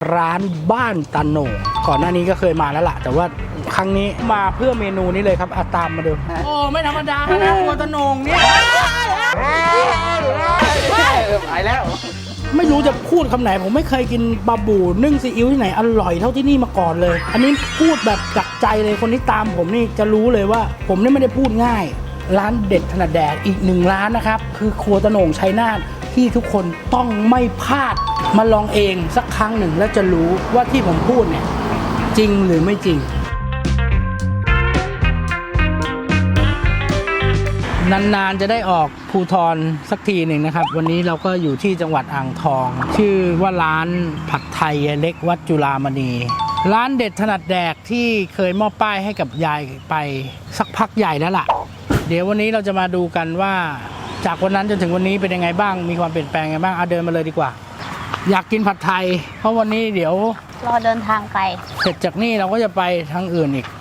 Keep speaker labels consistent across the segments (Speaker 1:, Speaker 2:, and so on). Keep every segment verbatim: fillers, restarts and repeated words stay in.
Speaker 1: ร้านบ้านตาโหน่งก่อนหน้านี้ก็เคยมาแล้วล่ะแต่ว่าครั้งนี้มาเพื่อเมนูนี้เลยครับอาตามมาดูโอ้ไม่ธรรมดานะครัวตาโหน่งเนี่ยไปแล้วไม่รู้จะพูดคำไหนผมไม่เคยกินบาบูนึ่งซีอิ๊วที่ไหนอร่อยเท่าที่นี่มาก่อนเลยอันนี้พูดแบบจากใจเลยคนที่ตามผมนี่จะรู้เลยว่าผมนี่ไม่ได้พูดง่ายร้านเด็ดถนัดแดกอีกหนึ่งร้านนะครับคือครัวตาโหน่งชัยนาทที่ทุกคนต้องไม่พลาดมาลองเองสักครั้งหนึ่งแล้วจะรู้ว่าที่ผมพูดเนี่ยจริงหรือไม่จริงนานๆจะได้ออกภูทรสักทีหนึ่งนะครับวันนี้เราก็อยู่ที่จังหวัดอ่างทองชื่อว่าร้านผัดไทยเล็กวัดจุฬามณีร้านเด็ดถนัดแดกที่เคยมอบป้ายให้กับยายไปสักพักใหญ่แล้วล่ะเดี๋ยววันนี้เราจะมาดูกันว่าจากวันนั้นจนถึงวันนี้เป็นยังไงบ้างมีความเปลี่ยนแปลงยังไงบ้างเอาเดินมาเลยดีกว่าอยากกินผัดไทยเพราะวันนี้เดี๋ยว
Speaker 2: รอเดินทางไป
Speaker 1: เสร็จจากนี่เราก็จะไปทางอื่นอีก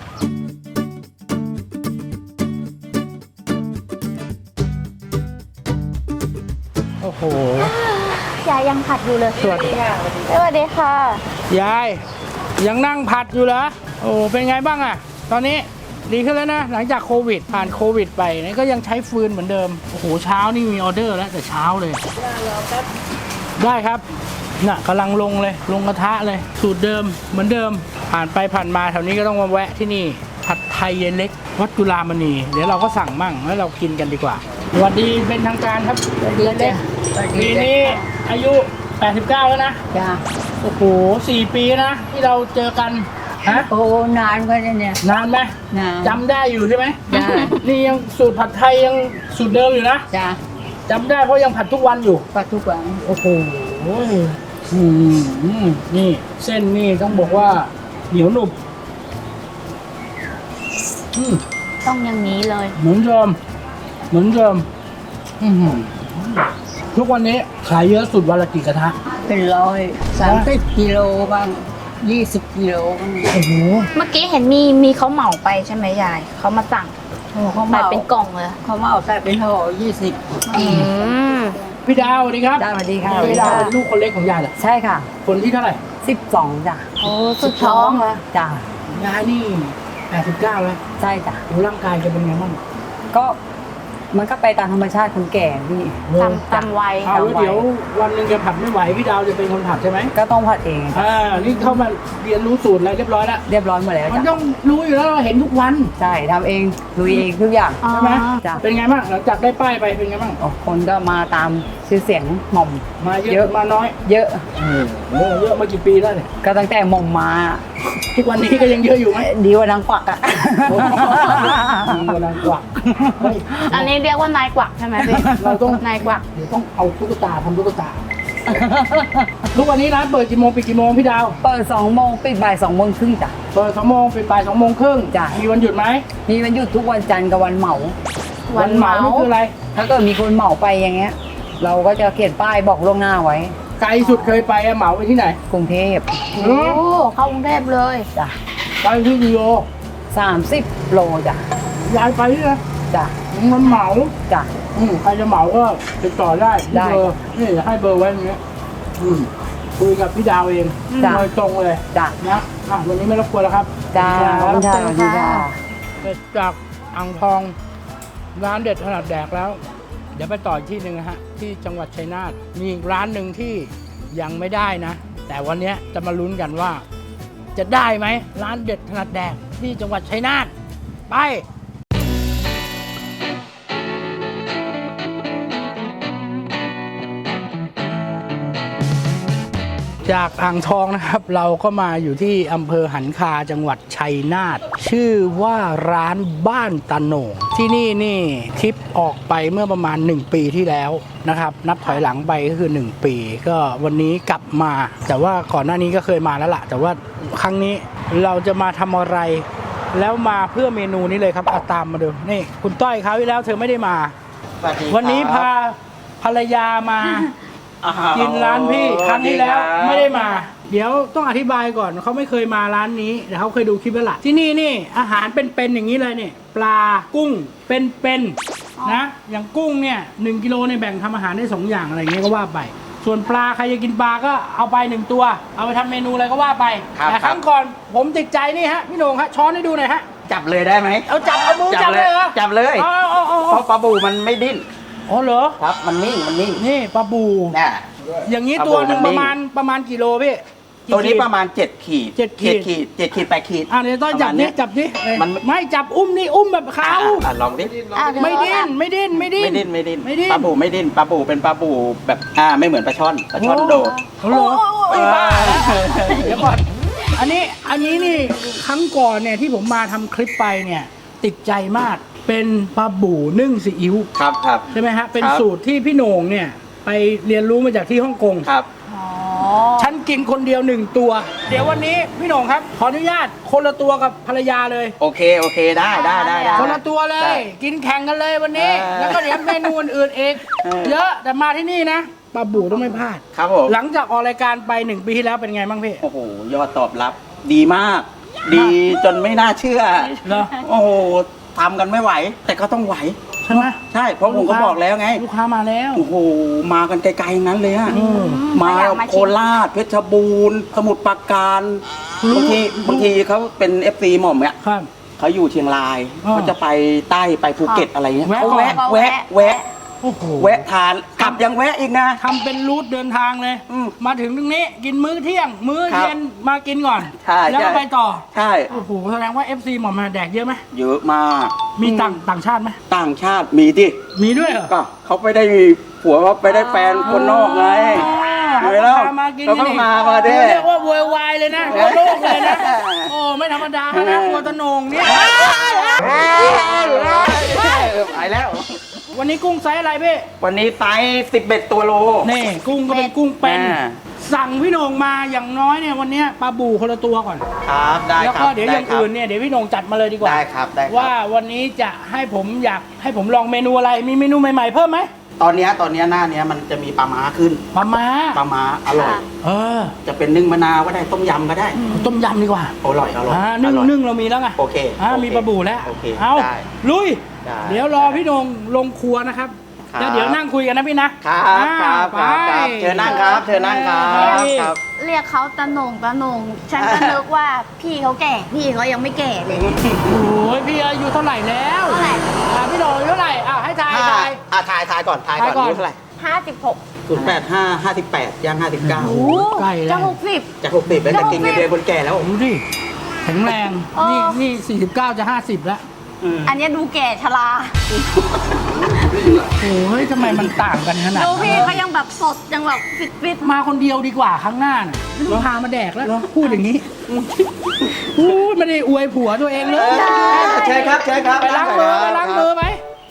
Speaker 1: โอ้โห
Speaker 2: ยายยังผัดอยู่เลย
Speaker 1: สวัสดีค่ะ
Speaker 2: สวัสดีค่ะ
Speaker 1: ยายยังนั่งผัดอยู่เหรอโอ้เป็นไงบ้างอะตอนนี้ดีขึ้นแล้วนะหลังจากโควิดผ่านโควิดไปนี่ก็ยังใช้ฟืนเหมือนเดิมโอ้โหเช้านี่มีออเดอร์แล้วแต่เช้าเลยได้ครับน่ะกำลังลงเลยลงกระทะเลยสูตรเดิมเหมือนเดิมผ่านไปผ่านมาแถวนี้ก็ต้องมาแวะที่นี่ผัดไทยเย็นเล็กวัดจุฬามณีเดี๋ยวเราก็สั่งมั่งแล้วเรากินกันดีกว่าสวัสดีเป็นทางการครับเย็นเล็กปีนี้อายุแปดสิบเก้าแล้วนะ
Speaker 3: จ้า
Speaker 1: โอ้โหสี่ปีนะที่เราเจอกันฮะ
Speaker 3: โอ้นานกว่าเนี่ย
Speaker 1: นานไหม
Speaker 3: นาน
Speaker 1: จำได้อยู่ใช่ไหม
Speaker 3: ได้
Speaker 1: นี่ยังสูตรผัดไทยยังสูตรเดิมอยู่นะ
Speaker 3: จ้า
Speaker 1: จำได้เพราะยังผัดทุกวันอยู่
Speaker 3: ผัดทุกวัน
Speaker 1: โอ้โหนี่เส้นนี่ต้องบอกว่าเหนียวหนุบ
Speaker 2: ต้องอย่างนี้เลย
Speaker 1: เหมือนเดิมเหมือนเดิมทุกวันนี้ขายเยอะสุดวันละกี่กระทะ
Speaker 3: เป็นร้อยสามสิบกิโลบ้างยี่สิบกิโลบ้าง
Speaker 1: โอ้โห
Speaker 2: เมื่อกี้เห็นมีมีเขาเหมาไปใช่ไหมยายเขามาสั่ง
Speaker 3: เขา
Speaker 2: ใส่เป็นกล่องเลย
Speaker 3: เขามาเอาใส่เป็นห่อยี่สิบ
Speaker 1: พี่ดาวสวัสดีครับ
Speaker 3: สวัสดีค่ะ
Speaker 1: พี่ดาวเป็นลูกคนเล็กของยายเหรอ
Speaker 3: ใช่ค่ะ
Speaker 1: คนที่เท่าไหร่
Speaker 3: สิบสองจ้ะ
Speaker 2: โอ้สุดท้อง
Speaker 3: เลยจ้ะ
Speaker 1: ยายนี่แปดสิบเก้าแล้ว
Speaker 3: ใช่จ้ะ
Speaker 1: ร่างกายจะเป็นไงบ้าง
Speaker 3: ก็มันก็ไปตามธรรมชาติคนแก่พี่
Speaker 2: ตามตามวัย
Speaker 1: เอาเดี๋ยววันหนึ่งจะผัดไม่ไหวพี่ดาวจะเป็นคนผัดใช่ไหม
Speaker 3: ก็ต้องผัดเอง
Speaker 1: อ่านี่เข้ามาเรียนรู้สูตรอะไรเรียบร้อยแล้ว
Speaker 3: เรียบร้อยหมดแล้ว
Speaker 1: มันต้องรู้อยู่แล้วเราเห็นทุกวัน
Speaker 3: ใช่ทำเองลุยเองทุกอย่าง
Speaker 1: ใช่ไหมเป็นไงบ้างหลังจากได้ป้ายไปเป็นไงบ้าง
Speaker 3: คนก็มาตามชื่อเสียงหม่อม
Speaker 1: มาเยอะมาน้อย
Speaker 3: เยอะ
Speaker 1: เยอะเยอะมากี่ปีแล้วเนี่ย
Speaker 3: ก็ตั้งแต่หม่อมมา
Speaker 1: ทุกวันนี้ก็ยังเยอะอยู่ไหม
Speaker 3: ดีกว่านางกวักอ่ะ
Speaker 1: ดีกว่านางกวัก
Speaker 2: อันนี้เรียกว่านายกวักใช่ไหมพี่
Speaker 1: เราต้อง
Speaker 2: นายกวัก
Speaker 1: เดี๋ยวต้องเอาตุ๊กตาทำตุ๊กตาทุกวันนี้ร้านเปิดกี่โมงปิดกี่โมงพี่ดาว
Speaker 3: เปิดสองโมงปิดบ่ายสองโมงครึ่งจ้ะ
Speaker 1: เปิดสองโมงปิดบ่ายสองโมงครึ่ง
Speaker 3: จ้ะ
Speaker 1: มีวันหยุดไหม
Speaker 3: มีวันหยุดทุกวันจันทร์กับวันเหมา
Speaker 1: วันเหมานี่คืออะไร
Speaker 3: ถ้าเกิดมีคนเหมาไปอย่างเงี้ยเราก็จะเขียนป้ายบอกล่วงหน้าไว้
Speaker 1: ไกลสุดเคยไปเหมาไปที่ไหน
Speaker 3: กรุงเทพ
Speaker 2: โอ้เข้ากรุงเทพเลย
Speaker 3: จ้ะ
Speaker 1: ไปที่กิโล
Speaker 3: สามสิบโลจ้ะ
Speaker 1: ยายไปที่ไหน
Speaker 3: จ้ะ
Speaker 1: มันเหมา
Speaker 3: จ้ะ
Speaker 1: ใครจะเหมาก็ติดต่อได้ได้เบอร์นี่จะให้เบอร์ไว้ตรงนี้คุยกับพี่ดาวเองโดยตรงเลย
Speaker 3: จ้ะ
Speaker 1: นะวันนี้ไม่รบกวนแล้วครับ
Speaker 3: จ้าขอบคุณค่ะ
Speaker 1: เสร็จจากอ่างทองร้านเด็ดถนัดแดกแล้วเดี๋ยวไปต่ออีกที่หนึ่งนะฮะที่จังหวัดชัยนาทมีอีกร้านหนึ่งที่ยังไม่ได้นะแต่วันนี้จะมาลุ้นกันว่าจะได้ไหมร้านเด็ดถนัดแดกที่จังหวัดชัยนาทไปจากอ่างทองนะครับเราก็มาอยู่ที่อำเภอหันคาจังหวัดชัยนาทชื่อว่าร้านบ้านตาโหน่งที่นี่นี่ทริปออกไปเมื่อประมาณหนึ่งปีที่แล้วนะครับนับถอยหลังไปก็คือหนึ่งปีก็วันนี้กลับมาแต่ว่าก่อนหน้านี้ก็เคยมาแล้วล่ะแต่ว่าครั้งนี้เราจะมาทำอะไรแล้วมาเพื่อเมนูนี้เลยครับเอาตามมาดูนี่คุณต้อยคราวที่แล้วเธอไม่ได้มาวันนี้พาภรรยามากินร้านพี่ครั้งที่แล้วไม่ได้มาเดี๋ยวต้องอธิบายก่อนเขาไม่เคยมาร้านนี้แต่เขาเคยดูคลิปแล้วล่ะที่นี่นี่อาหารเป็นๆอย่างนี้เลยเนี่ยปลากุ้งเป็นๆนะอย่างกุ้งเนี่ยหนึ่งกิโลเนี่ยแบ่งทำอาหารได้สองอย่างอะไรเงี้ยก็ว่าไปส่วนปลาใครจะกินปลาก็เอาไปหนึ่งตัว เอาไปทำเมนูอะไรก็ว่าไป
Speaker 4: ครับ
Speaker 1: แต่ครั้งก่อนผมติดใจนี่ฮะพี่โหน่งฮะช้อนให้ดูหน่อยฮะ
Speaker 4: จับเลยได้ไหม
Speaker 1: เอาจับเอามือจับเลยเหรอ
Speaker 4: จับเลย
Speaker 1: เอาเอาเอา
Speaker 4: เพ
Speaker 1: เอา
Speaker 4: ราะปลาบูมันไม่ดิ้น
Speaker 1: อ๋อเหรอ
Speaker 4: ครับ มันนิ่งมันนิ่ง
Speaker 1: นี่ปลาบู
Speaker 4: น่ะ
Speaker 1: อย่างนี้
Speaker 4: ปลาบู
Speaker 1: ตัวหนึ่ง
Speaker 4: มันนิ่
Speaker 1: ป
Speaker 4: ง
Speaker 1: ระมาณประมาณกี่โลพี่กี่
Speaker 4: ตัวนี้
Speaker 1: ขีด
Speaker 4: ประมาณเจ็ดขีด
Speaker 1: เจ็ดขีด
Speaker 4: ขีดเจ็ดขีดแปดขีด
Speaker 1: อ่าเดี๋ยวต้องจับ
Speaker 4: ประมาณ
Speaker 1: นี่
Speaker 4: เย
Speaker 1: จับนี่เอ้ย
Speaker 4: มัน
Speaker 1: ไม่จับอุ้มนี่อุ้มแบบเขา
Speaker 4: อ่ะอ่ะลองดิ
Speaker 2: อ่ะเยว
Speaker 1: ไม่ดิ้นไม่ดิ้นไม่ดิ้น
Speaker 4: ไม่ดิ้นไม่ดิ้น
Speaker 1: ไม่ดิ้น
Speaker 4: ปลาบูไม่ดิ้นปลาบูเป็นปลาบูแบบอ่าไม่เหมือนปลาช่อนปลาช่อนโดด
Speaker 1: โอ้โหไอ้บ้าเดี๋ยวก่อนอันนี้อันนี้นี่ครั้งก่อนเนี่ยที่ผมมาทำคลิปไปเนี่ยติดใจมากเป็นปลาบูนึ่งซีอิ๊ว
Speaker 4: ครับครับ
Speaker 1: ใช่ไหมฮะเป็น
Speaker 4: ครับ
Speaker 1: สูตรที่พี่โหน่งเนี่ยไปเรียนรู้มาจากที่ฮ่องกง
Speaker 4: ครับ
Speaker 2: อ๋อ
Speaker 1: ฉันกินคนเดียวหนึ่งตัว เดี๋ยววันนี้พี่โหน่งครับ ขออนุญาตคนละตัวกับภรรยาเลย
Speaker 4: โอเคโอเคได้ได้ได้ได้
Speaker 1: คนละตัวเลย
Speaker 4: ได้
Speaker 1: กินแข่งกันเลยวันนี้
Speaker 4: เออ
Speaker 1: แล้วก็เดี๋ยวเมนูอื่นๆเอง
Speaker 4: เออ
Speaker 1: เยอะแต่มาที่นี่นะปลาบูต้องไม่พลาด
Speaker 4: ครับผม
Speaker 1: หลังจากออกรายการไปหนึ่งปีที่แล้วเป็นไงบ้างพี่
Speaker 4: โอ้โหยอดตอบรับ ดีมาก ดีจนไม่น่าเชื่อ
Speaker 1: เหรอ
Speaker 4: โอ้โหทำกันไม่ไหว แต่ก็ต้องไหว
Speaker 1: ใช่ไหม
Speaker 4: ใช่เพราะผมก็บอกแล้วไง
Speaker 1: ลูกค้ามาแล้ว
Speaker 4: โอ้โหมากันไกลๆทั้งนั้นเลยอะ
Speaker 1: อืม
Speaker 4: มา
Speaker 2: อยากมา
Speaker 4: โค
Speaker 2: ชิม
Speaker 4: ราชเพชรบูรณ์ สมุทรปราการ
Speaker 1: รู้
Speaker 4: บางทีบางทีเขาเป็นเอฟซีหม่อมเนี่ย
Speaker 1: ครับ
Speaker 4: เขาอยู่เชียงราย
Speaker 1: อ่า
Speaker 4: เขาจะไปใต้ไปภูเก็ตอะไรเงี้ย
Speaker 1: แวะ
Speaker 4: เขา
Speaker 1: ก่อน
Speaker 4: แวะแวะแวะ
Speaker 1: โอ้โห
Speaker 4: แวะทานกลับยังแวะอีกนะ
Speaker 1: ทำเป็นรูทเดินทางเลย
Speaker 4: อืม
Speaker 1: มาถึงตรงนี้กินมื้อเที่ยง มื้อ
Speaker 4: ครับ
Speaker 1: เย็นมากินก่อน
Speaker 4: ใช่
Speaker 1: แล้วก็
Speaker 4: ใช่
Speaker 1: ไปต่อ
Speaker 4: ใช่
Speaker 1: โอ้โหแสดงว่า เอฟ ซี หมอมาแดกเยอะไหม
Speaker 4: เยอะมาก
Speaker 1: มีต่างต่างชาติไหม
Speaker 4: ต่างชาติมีดิ
Speaker 1: มีด้วยเหรอ
Speaker 4: ก็เขาไปได้มีผัวเขาไปได้แฟนคนนอกไง
Speaker 1: เขา
Speaker 4: เห็นแล้ว
Speaker 1: พามากิน
Speaker 4: เขาก็
Speaker 1: นี่
Speaker 4: มามาดิ
Speaker 1: เรียกว่าโวยวายเลยนะทั่วโลกเลยนะ โอ้ไม่ธรรมดานะครัวตะโหนงเนี่ย
Speaker 4: ไปแล้ว
Speaker 1: วันนี้กุ้งไซส์อะไรพี่
Speaker 4: วันนี้ไซส์สิบเอ็ดตัวโล
Speaker 1: นี่กุ้งก็เป็นกุ้งเป็น
Speaker 4: อ่า
Speaker 1: สั่งพี่โหนงมาอย่างน้อยเนี่ยวันเนี้ยปลาบูคนละตัวก่อน
Speaker 4: ครับได้
Speaker 1: แล้ว
Speaker 4: ค
Speaker 1: ก็
Speaker 4: รับ
Speaker 1: เดี๋ยวอย่าง
Speaker 4: ไครับ
Speaker 1: อื่นเนี่ยเดี๋ยวพี่โหนงจัดมาเลยดีกว่า
Speaker 4: ได้ครับได้ครับ
Speaker 1: ว่าวันนี้จะให้ผมอยากให้ผมลองเมนูอะไรมีเมนูใหม่ๆเพิ่มไหม
Speaker 4: ตอนเนี้ยตอนเนี้ยหน้าเนี้ยมันจะมีปลาม้าขึ้น
Speaker 1: ปลาม้า
Speaker 4: ปลาม้าอร่อย
Speaker 1: เออ
Speaker 4: จะเป็นนึ่งมะนาวก็ได้ต้มยำก็ได้
Speaker 1: ต้มยำดีกว่า
Speaker 4: อร่อยอร่อย
Speaker 1: อ่านึ่ง
Speaker 4: อร่อย
Speaker 1: นึ่งเรามีแล้วไง
Speaker 4: โอเค
Speaker 1: อ่า
Speaker 4: โอเค
Speaker 1: มีปลาบูแล้ว
Speaker 4: โอเค
Speaker 1: เอา
Speaker 4: ได้
Speaker 1: ลุย
Speaker 4: ได้
Speaker 1: เดี๋ยวรอพี่โหนงลงครัวนะครับ
Speaker 4: ครับ
Speaker 1: แล้วเดี๋ยวนั่งคุยกันนะพี่นะครับ
Speaker 4: ครับ
Speaker 1: อ่า
Speaker 4: ครับ
Speaker 1: ไป
Speaker 4: ครับเชิญนั่งครับเชิญนั่งครับ
Speaker 1: ไป
Speaker 4: ครับ
Speaker 2: เรียกเขาตะโหนงตะโหนงฉันก็นึกว่าพี่เขาแก่ พี่เขายังไม่แก่เลย
Speaker 1: โอ้ยพี่อายุเท่าไหร่แล้ว
Speaker 2: เท่าไหร่
Speaker 1: อ่าพี่โหนงอายุเท่าไหร่อ่าให้ทาย
Speaker 4: อ่า
Speaker 1: ทาย
Speaker 4: อ่าถ่ายถ่ายก่อนถ่าย
Speaker 1: ถ่ายก่
Speaker 4: ก่
Speaker 1: อ
Speaker 4: อน นอายุเท่าไหร่
Speaker 2: ห้าสิบหก
Speaker 4: ศูนย์แปดห้าห้าสิบแปดย่างห้าสิบเก้า
Speaker 1: โอ้ ใกล้แล้ว
Speaker 2: จะหกสิบ
Speaker 4: จากหกสิบแล้วแต่กินเงินเดือนคนแก่แล้ว
Speaker 1: ดูดิแข็งแรง
Speaker 2: เออ
Speaker 1: นี่นี่สี่สิบเก้าจะห้าสิบแล้ว
Speaker 4: อืม
Speaker 2: อันเนี้ยดูแก่ชรา
Speaker 1: โอ้ยทำไมมันต่างกันขนาด
Speaker 2: ดู
Speaker 1: นั้น
Speaker 2: พี่เขายังแบบสดยังแบบฟิตฟิต
Speaker 1: มาคนเดียวดีกว่าครั้งหน้าน่ะไม่ต้องพามาแดกแล้วพูดอย่างนี้พูดไม่ได้อวยผัวตัวเองเลย
Speaker 4: เชิญครับเชิญครับ
Speaker 1: ไปล้างมือไปล้างมือไหม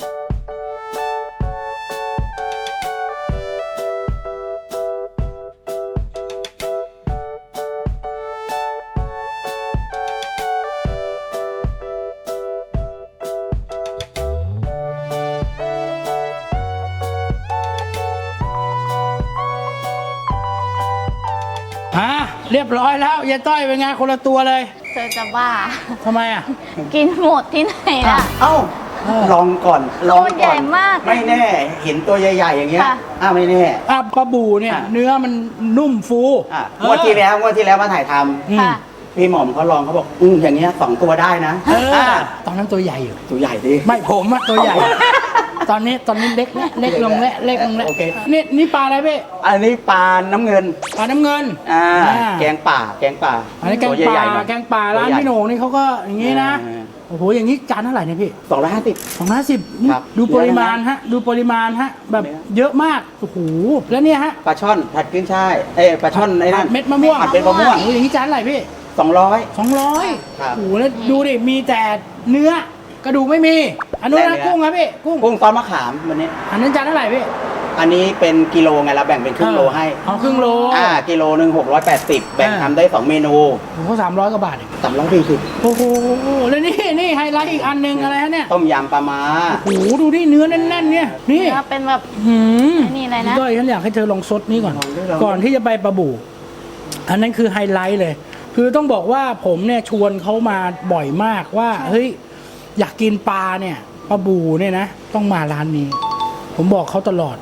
Speaker 1: อ่ะเรียบร้อยแล้วยายต้อยเป็นไงคนละตัวเลย
Speaker 2: เธอจะบ้า
Speaker 1: ทำไมอ่ะ
Speaker 2: กินหมดที่ไหนล่ะ
Speaker 4: เอ้า
Speaker 1: เออ
Speaker 4: ลองก่อนลอง
Speaker 2: ตัวใหญ่
Speaker 4: ก่อน
Speaker 2: มาก
Speaker 4: ไม่แน่เห็นตัวใหญ่ๆอย่างเงี้ย
Speaker 2: ค่ะ
Speaker 4: อ้าวไม่แน่
Speaker 1: อ่ะปลาบูเนี่ย
Speaker 4: อ่ะ
Speaker 1: เนื้อมันนุ่มฟู
Speaker 4: อ่ะ
Speaker 1: เออง
Speaker 4: วดที่แล้วงวดที่แล้วมาถ่ายท
Speaker 1: อืม
Speaker 2: ค่ะ
Speaker 4: ำพี่หม่อมเขาลองเขาบอกอืมอย่างเงี้ยสองตัวได้นะ
Speaker 1: เออ
Speaker 4: อ่ะ
Speaker 1: ตอนนั้นตัวใหญ่อยู่
Speaker 4: ตัวใหญ่ดิ
Speaker 1: ไม่ผมอะตัวใหญ่ ตอนนี้ตอนนี้เล็กแล้วเล็กลงแล้วเล็กลงแล้ว
Speaker 4: โอเค
Speaker 1: นี่นี่ปลาอะไรพี่
Speaker 4: อันนี้ปลาน้ำเงิน
Speaker 1: ปลาน้ำเงิน
Speaker 4: อ่า
Speaker 1: อ่า
Speaker 4: แกงป่าแกงป่า
Speaker 1: อันนี้แกง
Speaker 4: ตัว
Speaker 1: ป
Speaker 4: ใหญ่
Speaker 1: ลา
Speaker 4: ๆหน่อย
Speaker 1: แกงปลาร้านพี่โหน่งนี่เขาก็อย่างนี้นะ
Speaker 4: อ่า
Speaker 1: โอ้โหอย่างนี้จานเท่าไหร่เนี่ยพี่
Speaker 4: สองร้อยห้าสิบ
Speaker 1: สองร้อยสิบ
Speaker 4: ครับ
Speaker 1: ดูปริมาณฮะ ดูปริมาณฮะ แบบ
Speaker 4: เนื้อ
Speaker 1: เยอะมากโอ้โหแล้วเนี่ยฮะ
Speaker 4: ปลาช่อนผัดขึ้นช่ายเอ้ยปลาช่อนไอ้นั่น
Speaker 1: เม็ดมะม่วง
Speaker 4: ผัดเป็นมะม่วง
Speaker 1: โอ้โหอย่างนี้จานเท่าไหร่พี่
Speaker 4: สองร้อย
Speaker 1: สองร้อย
Speaker 4: ครับ
Speaker 1: โอ้โหแล้วดูดิมีแต่เนื้อกระดูกไม่มีอันนู้น
Speaker 4: แต่
Speaker 1: นะ
Speaker 4: เนื้อ
Speaker 1: กุ้งครับพี่กุ้ง
Speaker 4: กุ้งซอสมะขามวันนี้
Speaker 1: อันนั้นจานเท่าไหร่พี่
Speaker 4: อันนี้เป็นกิโลไงเราแบ่งเป็นครึ่งโลให้
Speaker 1: เอาครึ่งโล
Speaker 4: อ่ากิโลหนึ่งหกร้อยแปดสิบแบ่ง
Speaker 1: อ่า
Speaker 4: ทำได้สองเมนู
Speaker 1: โอ้โหสามร้อยกว่าบาทเอง
Speaker 4: สามร้อยสี่สิบ
Speaker 1: โอ้โห แล้วนี่นี่ไฮไลท์อีกอันหนึ่งอะไรฮะเนี่ย
Speaker 4: ต้มยำปลาม้า
Speaker 1: โอ้โห ดูนี่เนื้อแน่นๆเนี่ย นี่
Speaker 2: เนื้อเป็นแบบ
Speaker 1: หืม
Speaker 2: ไอ้นี่อะไรนะ
Speaker 1: ด้อยฉันอยากให้เธอลองซดนี้ก่อน
Speaker 4: ลองด้วยลอง
Speaker 1: ก่อนที่จะไปปลาบู่ อันนั้นคือไฮไลท์เลย คือต้องบอกว่าผมเนี่ยชวนเขามาบ่อยมากว่า เฮ้ย อยากกินปลาเนี่ยปลาบูเนี่ยนะ ต้องมาร้านนี้ ผมบอกเขาตลอด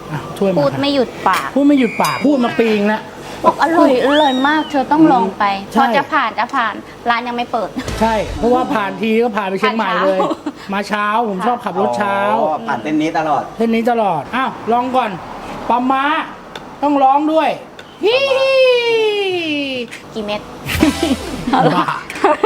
Speaker 1: อ่ะช่วยมา
Speaker 2: พูดไม่หยุดปาก
Speaker 1: พูดไม่หยุดปากพูดมาปีงแล้ว
Speaker 2: บอกอร่อยอร่อยมาก เธอต้องลองไป
Speaker 1: ใช่
Speaker 2: พอจะผ่านจะผ่านร้านยังไม่เปิด
Speaker 1: ใช่เพราะว่าผ่านทีก็ผ่านไปเชียงใหม่เลย มาเช้าผมชอบขับรถเช้า
Speaker 4: อ๋อผ่านเส้นนี้ตลอด
Speaker 1: เส้นนี้ตลอดอ้าวลองก่อนปลาม้าต้องร้องด้วยฮิ
Speaker 2: กี่เม็ด
Speaker 1: บ้า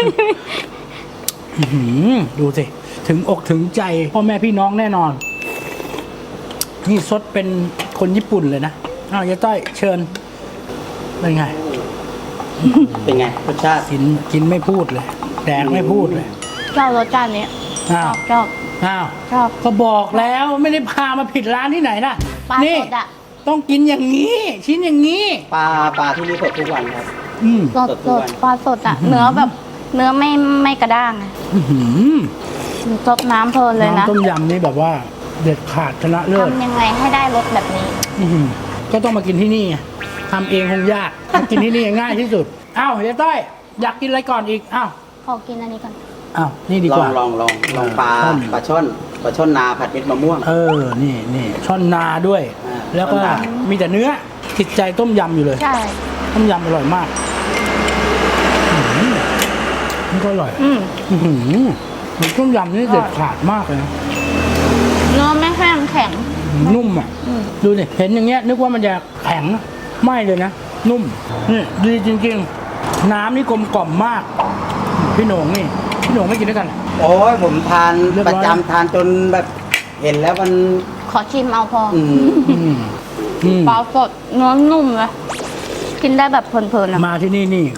Speaker 1: อื้อหือดูสิถึงอกถึงใจพ่อแม่พี่น้องแน่นอน นี่ซดเป็นคนญี่ปุ่นเลยนะอ้าวยายต้อยเชิญเป็นไง
Speaker 4: เป็นไงรสชาติ
Speaker 1: กินกินไม่พูดเลยแดกไม่พูดเลย
Speaker 2: ชอบรสชาตินี้ช
Speaker 1: อ้า
Speaker 2: อ
Speaker 1: ว
Speaker 2: บชอบ
Speaker 1: อ้าว
Speaker 2: ชอบ
Speaker 1: ก็บอกแล้วไม่ได้พามาผิดร้านที่ไหนนะ
Speaker 2: ปลา
Speaker 1: นี่
Speaker 2: สดอ่ะ
Speaker 1: ต้องกินอย่างนี้ ชิ้นอย่างนี้
Speaker 4: ปลาปลาที่นี่สดทุกวันครับ
Speaker 1: อืม
Speaker 2: สด
Speaker 4: สดทุ
Speaker 2: ส
Speaker 4: ก
Speaker 2: ด
Speaker 4: วัน
Speaker 2: ปลาสดอ่ะ เนื้อแบบ เนื้อไม่ไม่กระด้างอะ
Speaker 1: อื้อหือ
Speaker 2: สดน้ำเพลินเลยนะ
Speaker 1: น้ำต้มยำนี่แบบว่าเด็ดขาดชนะเลิศ
Speaker 2: ทำยังไงให้ได้รสแบบนี้
Speaker 1: อื้อหือก็ต้องมากินที่นี่ไงทำเองคงยากมากินที่นี่ง่ายที่สุดอ้าวเดี๋ยวต้อยอยากกินอะไรก่อนอีกอ้าว
Speaker 2: ขอกินอันนี้ก่อน
Speaker 1: อ้าวนี่ดี
Speaker 4: ล
Speaker 1: ก
Speaker 4: อง
Speaker 1: ว่า
Speaker 4: ลองลองลองปลา
Speaker 1: ช่อน
Speaker 4: ปลาช่อนปลาช่อนนาผัดเม็ดมะม่วง
Speaker 1: เออนี่นี่ช่อนนาด้วย
Speaker 4: อ่า
Speaker 1: แล้วก็
Speaker 4: ช่อนนา
Speaker 1: มีแต่เนื้อติดใจต้มยำอยู่เลย
Speaker 2: ใช่
Speaker 1: ต้มยำอร่อยมากอื้อหือนี่ก็อร่อย
Speaker 2: อืม
Speaker 1: อื้อหือมันต้มยำนี่เด็ดขาดมากเลยนะ
Speaker 2: เนื้อไม่แห้งแข็ง
Speaker 1: นุ่มอ่ะ
Speaker 2: อืม
Speaker 1: ดูดิเห็นอย่างเงี้ยนึกว่ามันจะแข็งไม่เลยนะ นุ่มนี่ดีจริงๆ น้ำนี่กลมกล่อมมาก พี่โหน่งนี่พี่โหน่งไม่กินด้วยกันเหรอ
Speaker 4: โอ้ยผมทาน
Speaker 1: เรียบ
Speaker 4: ประ
Speaker 1: ร้อย
Speaker 4: จำทานจนแบบเห็นแล้วมัน
Speaker 2: ขอชิมเอาพออ
Speaker 4: อืม
Speaker 1: อืมอืม
Speaker 2: ปลาสดเนื้อนุ่มเลยกินได้แบบเพลินๆอะ
Speaker 1: มาที่นี่นี่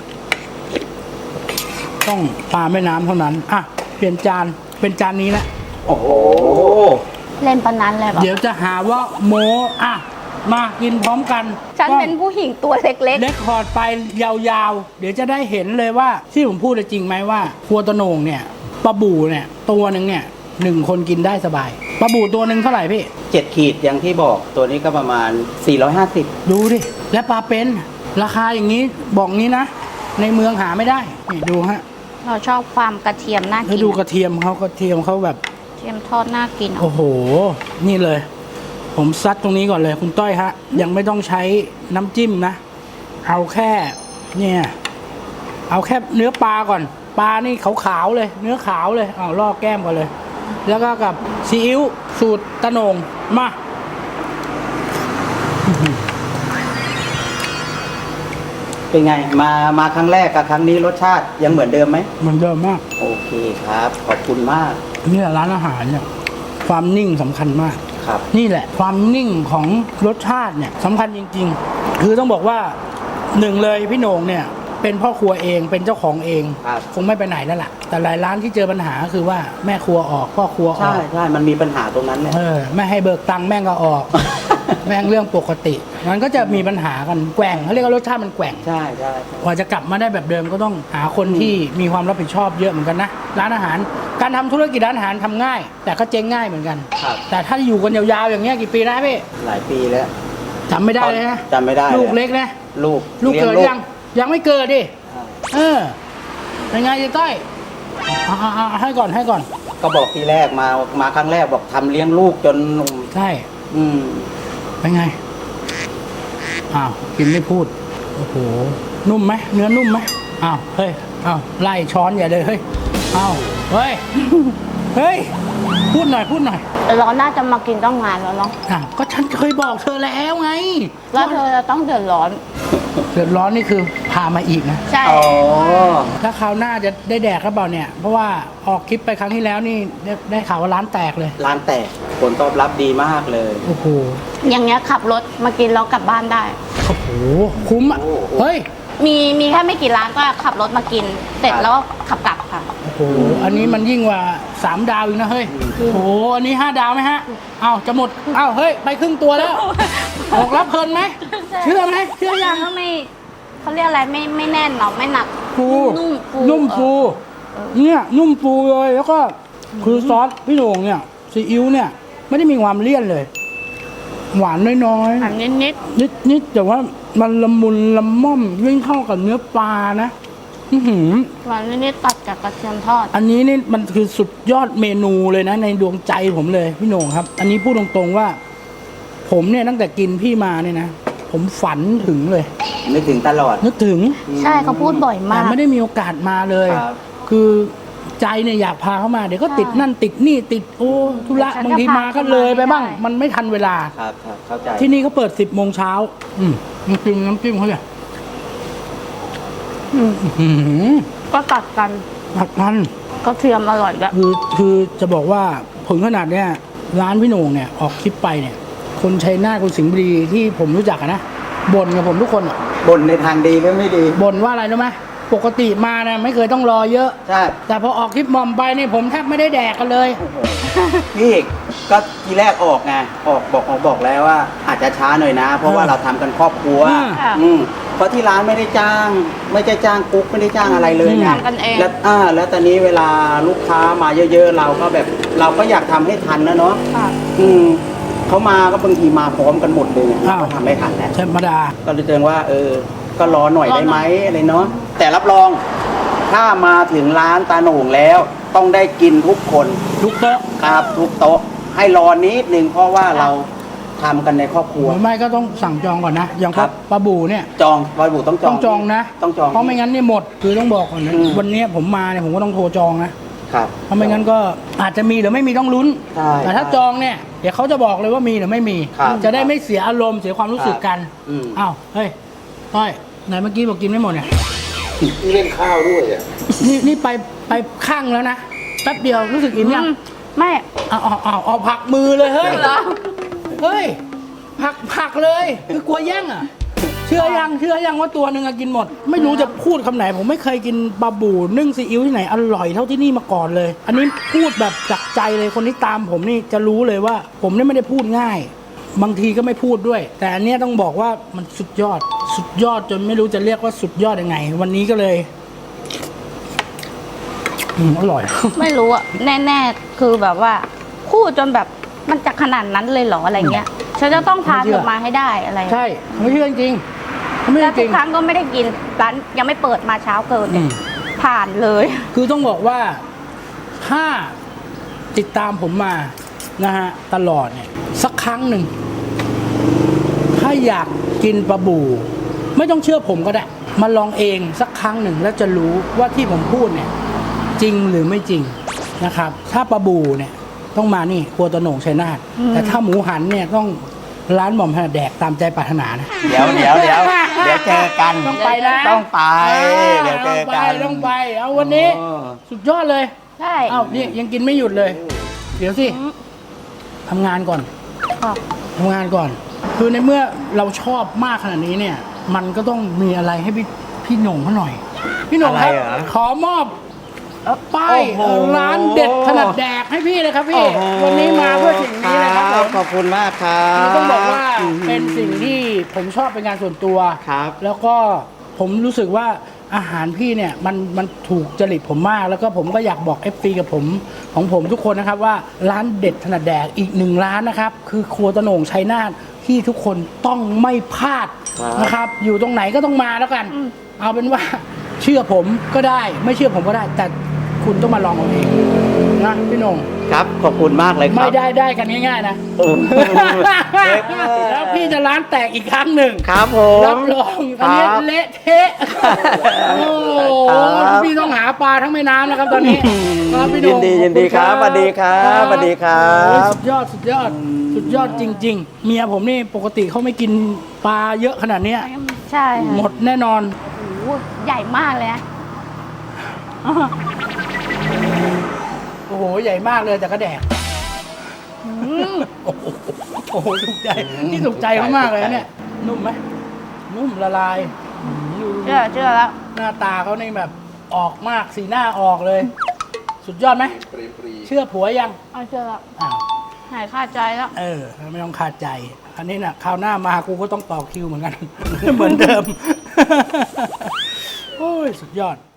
Speaker 1: ต้องปลาแม่น้ำเท่านั้นอ่ะเปลี่ยนจานเป็นจานนี้แหละ
Speaker 4: โอ้โห
Speaker 2: เล่นปานนั้นเลยแบบ
Speaker 1: เดี๋ยวจะหาว่าโมอ่ะมากินพร้อมกัน
Speaker 2: ฉัน
Speaker 1: ก็
Speaker 2: เป็นผู้หญิงตัวเล็ก
Speaker 1: เล็กคอร์ดไปยาวๆ เดี๋ยวจะได้เห็นเลยว่า ที่ผมพูดจริงไหมว่าครัวตะโหนงเนี่ยปลาบูเนี่ย ตัวหนึ่งเนี่ยหนึ่งคนกินได้สบายปลาบูตัวหนึ่งเท่าไหร่พี่
Speaker 4: เจ็ดขีดอย่างที่บอกตัวนี้ก็ประมาณสี่ร้อยห้าสิบ
Speaker 1: ดูดิ และปลาเป็นราคาอย่างนี้บอกงี้นะ ในเมืองหาไม่ได้นี่ดูฮะ
Speaker 2: ๆ เราชอบความกระเทียมน่า
Speaker 1: แล้ว
Speaker 2: กิน
Speaker 1: ดูกระเทียมเขากระเทียมเขาแบบ
Speaker 2: กระเทียมทอดน่ากินอะ
Speaker 1: โอ้โห นี่เลย ผมซัดตรงนี้ก่อนเลย คุณต้อยฮะ ยังไม่ต้องใช้น้ำจิ้มนะ เอาแค่ เนี่ย เอาแค่เนื้อปลาก่อน ปลานี่ขาวๆเลย เนื้อขาวเลยเอาลอกแก้มก่อนเลย แล้วก็กับซีอิ๊วสูตรตะโหนงมา
Speaker 4: เป็นไง มามาครั้งแรกกับครั้งนี้รสชาติยังเหมือนเดิมไหม
Speaker 1: เหมือนเดิมมาก
Speaker 4: โอเคครับ ขอบคุณมาก
Speaker 1: เนี่ยร้านอาหารเนี่ย ความนิ่งสำคัญมาก
Speaker 4: ครับ
Speaker 1: นี่แหละ ความนิ่งของรสชาติเนี่ยสำคัญจริง ๆ คือต้องบอกว่าหนึ่งเลยพี่โหน่งเนี่ย เป็นพ่อครัวเองเป็นเจ้าของเอง
Speaker 4: ครับ
Speaker 1: คงไม่ไปไหนแล้วล่ะ แต่หลายร้านที่เจอปัญหาก็คือว่าแม่ครัวออกพ่อครัวอ
Speaker 4: ใช่
Speaker 1: อก
Speaker 4: ใช่มันมีปัญหาตรงนั้นแหละ
Speaker 1: เออไม่ให้เบิกตังค์แม่งก็ออก แม่งเรื่องปกติมันก็จะมีปัญหากันแกว่งเขาเรียกว่ารสชาติมันแกว่ง
Speaker 4: ใช่ใช่ใช่
Speaker 1: กว่าจะกลับมาได้แบบเดิมก็ต้องหาคนที่มีความรับผิดชอบเยอะเหมือนกันนะร้านอาหาร การทำธุรกิจร้านอาหารทำง่าย แต่ก็เจ๊งง่ายเหมือนกัน
Speaker 4: ครับ
Speaker 1: แต่ถ้าอยู่กันยาวๆอย่างเงี้ยกี่ปีนะพี่
Speaker 4: หลายปีแล้ว
Speaker 1: จำไม่ได้เลยนะ
Speaker 4: จำไม่ได้
Speaker 1: ลูก
Speaker 4: ย
Speaker 1: เล็กนะ
Speaker 4: ลูก
Speaker 1: ลูกเกิด
Speaker 4: ลี้
Speaker 1: ยังยังไม่เกิดดิ
Speaker 4: ใช่
Speaker 1: เออเป็นไงยายต้อยเอาเอาเอาให้ก่อนให้ก่อน
Speaker 4: ก็บอกทีแรกมามาครั้งแรกบอกทำเลี้ยงลูกจน
Speaker 1: ใช่
Speaker 4: อืม
Speaker 1: เป็นไงอ้าวกินไม่พูดโอ้โหนุ่มไหมเนื้อนุ่มไหมอ้าวเฮ้ยอ้าวไล่ช้อนใหญ่เลยเฮ้ยอ้าวเฮ้ย เฮ้ยพูดหน่อยพูดหน่อย
Speaker 2: แต่เราน่าจะมากินต้องงานแล้วเนาะ
Speaker 1: อ่ะก็ฉันเคยบอกเธอแล้วไง
Speaker 2: แล้วเธอจะต้องเดือดร้อน
Speaker 1: เดือดร้อนนี่คือพามาอีกนะ
Speaker 2: ใช่
Speaker 4: อ๋อ
Speaker 1: ถ้าคราวหน้าจะได้แดกหรือเปล่าเนี่ย เพราะว่าออกคลิปไปครั้งที่แล้วนี่ได้ได้ข่าวว่าร้านแตกเลย
Speaker 4: ร้านแตกผลตอบรับดีมากเลย
Speaker 1: โอ้โห
Speaker 2: อย่างเงี้ยขับรถมากินแล้วกลับบ้านได้
Speaker 1: โอ้โห คุ้มอ่ะ
Speaker 4: โอ้โห
Speaker 1: เฮ้ย
Speaker 2: มีมีแค่ไม่กี่ร้านก็ขับรถมากิน เสร็จแล้วก็ขับกลับค่ะ
Speaker 1: โอ้โห อันนี้มันยิ่งกว่าสามดาวอีกนะเฮ้ย โอ้โห อันนี้ห้าดาวไหมฮะ เอ้าจะหมด เอ้าเฮ้ย ไปครึ่งตัวแล้ว ออกรับเพลินไหม เชื่อไหมเชื่อยัง
Speaker 2: ก็ไม่เขาเรียกอะไรไม่ไม่แน่นเนาะไม่หนัก
Speaker 1: ฟู
Speaker 2: นุ่มฟู
Speaker 1: นุ่มฟู
Speaker 2: เออ
Speaker 1: เนี่ย นุ่มฟูเลย แล้วก็คือซอสพี่โหน่งเนี่ย ซีอิ๊วเนี่ย ไม่ได้มีความเลี่ยนเลย หวานน้อยๆ
Speaker 2: อันนิดนิด
Speaker 1: นิดนิดแต่ว่ามันละมุนละม่อมยิ่งเข้ากับเนื้อปลานะอื้อหือ
Speaker 2: หวานนิดนิดตัดกับกระเทียมทอด
Speaker 1: อันนี้นี่มันคือสุดยอดเมนูเลยนะ ในดวงใจผมเลยพี่โหน่งครับ อันนี้พูดตรงๆว่า ผผมเนี่ยตั้งแต่กินพี่มาเนี่ยนะ ผมฝันถึงเลย
Speaker 4: นึกถึงตลอด
Speaker 1: นึกถึง
Speaker 2: ใช่เขาพูดบ่อย
Speaker 1: แต่
Speaker 2: มาก
Speaker 1: ไม่ได้มีโอกาสมาเลย
Speaker 4: ครับ
Speaker 1: คือใจเนี่ยอยากพาเขามา เดี๋ยวก็
Speaker 2: ใช่
Speaker 1: ติดนั่นติดนี่ติดโอ้ธุระ
Speaker 2: ฉันก็
Speaker 1: บางทีมาก็เลยไปบ้าง
Speaker 2: พาเขามาไม่ได้
Speaker 1: มันไม่ทันเวลา
Speaker 4: ครับครับเข้าใจ
Speaker 1: ที่นี่เขาเปิดสิบโมงเช้าอืมน้ำจิ้มน้ำจิ้มเขาเนี่ย
Speaker 2: อืม
Speaker 1: อื้อหือ
Speaker 2: ก็ตัดกัน
Speaker 1: ผัดมัน
Speaker 2: ก็เทียมอร่อยด้วย
Speaker 1: คือคือจะบอกว่าผลขนาดเนี้ยร้านพี่โหน่งเนี่ยออกคลิปไปเนี่ย คนชัยนาทคนสิงห์บุรีที่ผมรู้จักอะนะบ่นกับผมทุกคนอะ
Speaker 4: บ่นในทางดีหรือไม่ดี
Speaker 1: บ่นว่าอะไรรู้ไหมปกติมาเนี่ยไม่เคยต้องรอเยอะ
Speaker 4: ใช่
Speaker 1: แต่พอออกคลิปมอมไปเนี่ยผมแทบไม่ได้แดกกันเลย
Speaker 4: พี่เอกก็ทีแรกออกไงออกบอกออกบอกแล้วว่า อาจจะช้าหน่อยนะ เพราะว่า
Speaker 1: เออ
Speaker 4: เราทำกันครอบครัว
Speaker 1: อืม
Speaker 2: ค่ะ
Speaker 4: อืมเพราะที่ร้านไม่ได้จ้าง ไม่ได้จ้างกุ๊กไม่ได้จ้างอะไรเลยไง
Speaker 2: ทำกันเอง
Speaker 4: แล้วอ่าแล้วตอนนี้เวลาลูกค้ามาเยอะๆ เราก็แบบเราก็อยากทำให้ทันนะเนาะ
Speaker 2: ค่ะ
Speaker 4: อืมเขามาก็บางทีมาพร้อมกันหมดเลย
Speaker 1: อ้าว
Speaker 4: ก็ทำไม่ทันแล้ว
Speaker 1: ธรรมดา
Speaker 4: ก็เลยเตือนว่า เออ ก็รอหน่อย
Speaker 2: รอหน่อย
Speaker 4: ได้ไหมอะไรเนาะแต่รับรอง ถ้ามาถึงร้านตาโหน่งแล้ว ต้องได้กินทุกคน
Speaker 1: ทุกโต๊ะ
Speaker 4: ครับทุกโต๊ะให้รอนิดนึงเพราะว่าเราทำกันในครอบครัว
Speaker 1: หรือไม่ก็ต้องสั่งจองก่อนนะ อย่าง
Speaker 4: ครับ
Speaker 1: ปลาบูเนี่ย
Speaker 4: จองบอยบุต้องจอง
Speaker 1: ต้องจองนะ
Speaker 4: ต้องจอง
Speaker 1: เพราะไม่งั้นเนี่ยหมด คือต้องบอกก่อนนะ
Speaker 4: อืม
Speaker 1: วันนี้ผมมาเนี่ยผมก็ต้องโทรจองนะ
Speaker 4: ครับ
Speaker 1: เพราะไม่งั้นก็อาจจะมีหรือไม่มีต้องลุ้น
Speaker 4: ใช่
Speaker 1: แต่ถ้าจองเนี่ยเดี๋ยวเขาจะบอกเลยว่ามีหรือไม่มี
Speaker 4: ครับ
Speaker 1: จะได้ไม่เสียอารมณ์เสียความรู้สึกกัน
Speaker 4: อืม
Speaker 1: อ้าวเฮ้ยต้อยไหนเมื่อกี้บอกกินไม่หมดเนี่ย
Speaker 5: นี่เล่นข้าวด้วยอ่ะ
Speaker 1: นี่นี่ไปไปข้างแล้วนะแป๊บเดียวรู้สึกอิ่มยัง
Speaker 2: อืมไม่
Speaker 1: เอาเอาเอาเอาผักมือเลยเฮ้ย
Speaker 2: เหรอ
Speaker 1: เฮ้ยผักผักเลยคือกลัวแย่งอ่ะ เชื่อยังเชื่อยังว่าตัวหนึ่งอะกินหมด ไม่รู้จะพูดคำไหน ผมไม่เคยกินปลาบูนึ่งซีอิ๊วที่ไหนอร่อยเท่าที่นี่มาก่อนเลย อันนี้พูดแบบจากใจเลยคนที่ตามผมนี่จะรู้เลยว่า ผมนี่ไม่ได้พูดง่าย บางทีก็ไม่พูดด้วย แต่อันเนี้ยต้องบอกว่ามันสุดยอด สุดยอดจนไม่รู้จะเรียกว่าสุดยอดยังไง วันนี้ก็เลยอืมอร่อย
Speaker 2: ไม่รู้อะแน่ๆคือแบบว่าพูดจนแบบมันจะขนาดนั้นเลยเหรออะไรเงี้ยฉันจะต้องพา
Speaker 1: ไม่เชื่
Speaker 2: เธ
Speaker 1: อ
Speaker 2: อมาให้ได้อะไร
Speaker 1: ใช่ไม่เชื่อจริงๆไม่
Speaker 2: แล้ว
Speaker 1: จ
Speaker 2: ทุ
Speaker 1: ริ
Speaker 2: ก
Speaker 1: ง
Speaker 2: ครั้งก็ไม่ได้กินร้านยังไม่เปิดมาเช้าเกินเนี่ย
Speaker 1: อืม
Speaker 2: ผ่านเลย
Speaker 1: คือต้องบอกว่าถ้าติดตามผมมานะฮะตลอดเนี่ยสักครั้งหนึ่งถ้าอยากกินปลาบู ไม่ต้องเชื่อผมก็ได้ มาลองเองสักครั้งหนึ่งแล้วจะรู้ว่าที่ผมพูดเนี่ย จริงหรือไม่จริงนะครับ ถ้าปลาบูเนี่ยต้องมานี่ครัวตะโหน่งชัยนาท
Speaker 2: อืม
Speaker 1: แต่ถ้าหมูหันเนี่ยต้องร้านหม่อมถนัดแดกตามใจปรารถนานะ
Speaker 4: เดี๋ยวเดี๋ยวเดี๋ยวเดี๋ยวเจอกัน
Speaker 1: ต้องไปนะ
Speaker 4: ต้องไปเดี๋ยวเจอกัน
Speaker 1: ต้องไปต้องไป เอาวันนี้
Speaker 4: โอ้
Speaker 1: สุดยอดเลย
Speaker 2: ใช่
Speaker 1: เอ้านี่ยังกินไม่หยุดเลย เดี๋ยวสิ
Speaker 2: อืม
Speaker 1: ทำงานก่อน
Speaker 2: ค่ะ
Speaker 1: ทำงานก่อน คือในเมื่อเราชอบมากขนาดนี้เนี่ย มันก็ต้องมีอะไรให้พี่พี่หน่งเขาหน่อย พี่หน่งครับ
Speaker 4: อะไรเหรอ
Speaker 1: ขอมอบเอ่อป้าย
Speaker 4: โอ้โห
Speaker 1: ร้านเด็ดถนัดแดกให้พี่เลยครับพี่
Speaker 4: โอ้โห
Speaker 1: วันนี้มาเพื่อสิ่งนี้เลยครับผม
Speaker 4: ขอบคุณมากครับ
Speaker 1: คือต้องบอกว่า
Speaker 4: อืม
Speaker 1: เป็นสิ่งที่ผมชอบเป็นงานส่วนตัว
Speaker 4: ครับ
Speaker 1: แล้วก็ผมรู้สึกว่าอาหารพี่เนี่ยมันมันถูกจริตผมมาก แล้วก็ผมก็อยากบอก เอฟ ซี กับผมของผมทุกคนนะครับว่าร้านเด็ดถนัดแดกอีกหนึ่งร้านนะครับ คือครัวตะโหน่งชัยนาทที่ทุกคนต้องไม่พลาด
Speaker 4: ครับ
Speaker 1: นะครับ อยู่ตรงไหนก็ต้องมาแล้วกัน เอาเป็นว่าเชื่อผมก็ได้ ไม่เชื่อผมก็ได้ แต่คุณต้องมาลองเอาเองนะพี่โหน่ง
Speaker 4: ครับขอบคุณมากเลยครับ
Speaker 1: ไม่ได้ได้กันง่ายๆนะ
Speaker 4: โอ้โห
Speaker 1: แล้วพี่จะร้านแตกอีกครั้งหนึ่ง
Speaker 4: ครับผม
Speaker 1: รับรองตอนนี้
Speaker 4: ครับ
Speaker 1: เละเทะโอ้โห
Speaker 4: ครับ
Speaker 1: พี่ต้องหาปลาทั้งแม่น้ำนะครับตอนนี้ครับพี่โห
Speaker 4: ยิ
Speaker 1: ง
Speaker 4: นดียินดีครับสวัสดีครับสวัสดีครั
Speaker 1: โอ้ย
Speaker 4: บ
Speaker 1: สุดยอดสุดยอด สุดยอดจริง ๆ เมียผมนี่ปกติเขาไม่กินปลาเยอะขนาดเนี้ย
Speaker 2: ใช่ค่ะ
Speaker 1: หมดแน่นอน
Speaker 2: โอ้โหใหญ่มากเลยนะ
Speaker 1: โอ้โห ใหญ่มากเลยแต่ก็แดก โอ้โหโอ้โหถูกใจ นี่ถูกใจเขามากเลยนะเนี่ย นุ่มไหมนุ่มละลายอืมดู
Speaker 2: เชื่อเชื่อแล้ว
Speaker 1: หน้าตาเขาในแบบออกมากสีหน้าออกเลย สุดยอดไหม
Speaker 5: ปรีปรี
Speaker 1: เชื่อผัวยัง
Speaker 2: เอาเชื่อแล้ว
Speaker 1: อ้าว
Speaker 2: หายคาใจแล้ว
Speaker 1: เออ ไม่ต้องขาดใจ อันนี้น่ะคราวหน้ามากูก็ต้องต่อคิวเหมือนกัน เหมือนเดิม โอ้ย สุดยอด